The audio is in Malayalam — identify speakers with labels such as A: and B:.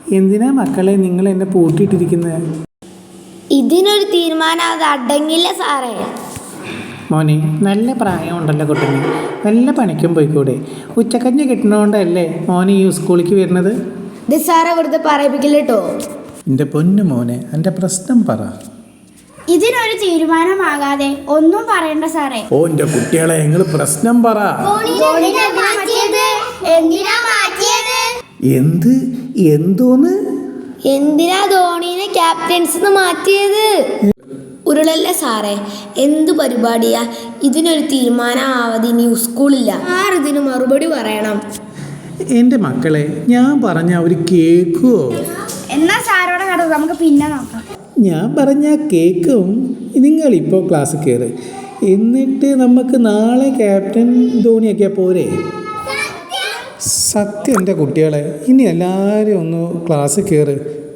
A: എന്തിനാ മക്കളെ നിങ്ങൾ എന്നെ പൂട്ടിയിട്ടിരിക്കുന്നത്?
B: ഇതിനൊരു തീരുമാനം അത് അടങ്ങില്ല സാറേ.
A: മോനെ, നല്ല പ്രായമുണ്ടല്ലോ കുട്ടന്, വല്ല പണിക്കും പോയിക്കൂടെ? ഉച്ചക്കഞ്ഞ് കിട്ടണോണ്ടല്ലേ മോനെ ഈ സ്കൂളിലേക്ക് വരുന്നത്?
B: ഇത് സാറെ വെറുതെ പറയിപ്പിക്കില്ല കേട്ടോ.
A: എൻ്റെ പൊന്നു മോനെ, എൻ്റെ പ്രശ്നം പറ.
B: ഇതിനൊരു തീരുമാനമാകാതെ ഒന്നും പറയണ്ട സാറേ.
A: ഓ എൻ്റെ കുട്ടികളെ, നിങ്ങൾ പ്രശ്നം പറ. എന്തോന്ന്?
B: എന്തിനാ ധോണിനെ ക്യാപ്റ്റൻസ് മാറ്റിയത്? ഉരുളല്ലേ സാറേ, എന്ത് പരിപാടിയാ? ഇതിനൊരു തീരുമാനമാവാതെ ഇനി സ്കൂളില്ല. ഇതിന് മറുപടി പറയണം.
A: എൻ്റെ മക്കളെ, ഞാൻ പറഞ്ഞ അവർ കേൾക്കുമോ?
B: എന്നാ സാറോടെ കഥ നമുക്ക് പിന്നെ നോക്കാം.
A: ഞാൻ പറഞ്ഞാൽ കേൾക്കും. നിങ്ങളിപ്പോൾ ക്ലാസ് കയറ്, എന്നിട്ട് നമുക്ക് നാളെ ക്യാപ്റ്റൻ ധോണിയൊക്കെ പോരെ? സത്യം എൻ്റെ കുട്ടികളെ, ഇനി എല്ലാവരും ഒന്ന് ക്ലാസ് കയറ്.